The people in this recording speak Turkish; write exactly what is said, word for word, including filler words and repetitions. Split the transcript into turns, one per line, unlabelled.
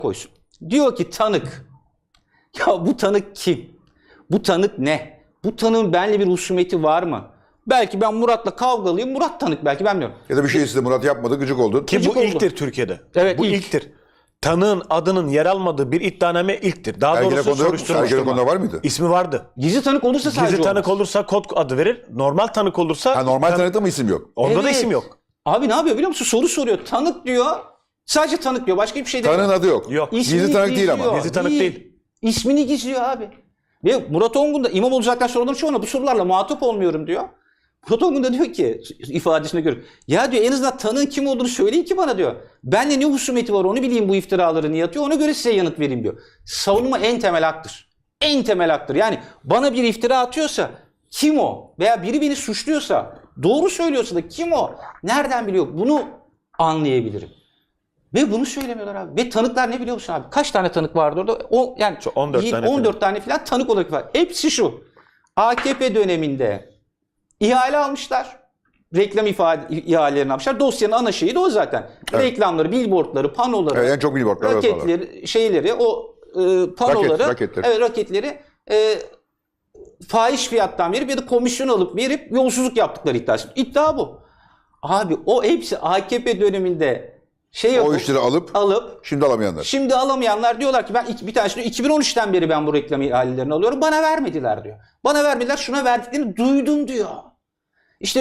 koysun. Diyor ki tanık. Ya bu tanık kim? Bu tanık ne? Bu tanığın benimle bir husumeti var mı? Belki ben Murat'la kavgalıyım. Murat tanık belki, ben bilmiyorum.
Ya da bir şey istedi, Murat yapmadı, gıcık oldun.
Ki
Gıcık
bu
oldu.
ilktir Türkiye'de.
Evet,
bu
ilk.
ilktir. Tanığın adının yer almadığı bir iddianame ilktir. Daha
Ergenekon'da
doğrusu
yok mu?
soruşturma.
Ergenekon'da var mıydı?
İsmi vardı.
Gizli tanık olursa sadece
Gizli tanık
olmaz.
olursa kod adı verir. Normal tanık olursa...
Ha, normal
tan-
tanıkta mı isim yok?
Orada da
Evet.
isim yok.
Abi ne yapıyor biliyor musun? Soru soruyor. Tanık diyor. Sadece tanık diyor. Başka bir şey demiyor.
Tanığın adı yok.
Yok.
İsmini
Gizli tanık değil ama.
gizliyor.
Gizli tanık değil.
İsmini gizliyor abi. Ve Murat Ongun da İmamoğlu zaten soruların çoğuna bu sorularla muhatap olmuyorum diyor. Murat Ongun da diyor ki ifadesine göre, ya diyor en azından tanığın kim olduğunu söyleyin ki bana diyor. Benle ne husumeti var onu bileyim, bu iftiraları niye atıyor, ona göre size yanıt vereyim diyor. Savunma en temel haktır. En temel haktır. Yani bana bir iftira atıyorsa kim o? Veya biri beni suçluyorsa, doğru söylüyorsa da kim o? Nereden biliyor? Bunu anlayabilirim. Ve bunu söylemiyorlar abi. Ve tanıklar ne biliyor musun abi? Kaç tane tanık vardı orada? O, yani
on dört tane
on dört tane falan tanık olarak var. Hepsi şu. A K P döneminde ihale almışlar. Reklam ifade, ihalelerini almışlar. Dosyanın ana şeyi de o zaten.
Evet.
Reklamları, billboardları, panoları,
Evet, en çok billboardlar, evet,
raketleri, şeyleri, o e, panoları,
Raket, raketleri.
evet, raketleri e, fahiş fiyattan verip ya da komisyon alıp verip yolsuzluk yaptıkları iddiası. İddia bu. Abi o hepsi A K P döneminde şey
O
yapıp,
işleri alıp
alıp
şimdi alamayanlar.
şimdi alamayanlar diyorlar ki ben iki- bir tanesi diyor iki bin on üçten beri ben bu reklam ihalelerini alıyorum. Bana vermediler diyor. Bana vermediler, şuna verdiklerini duydum diyor.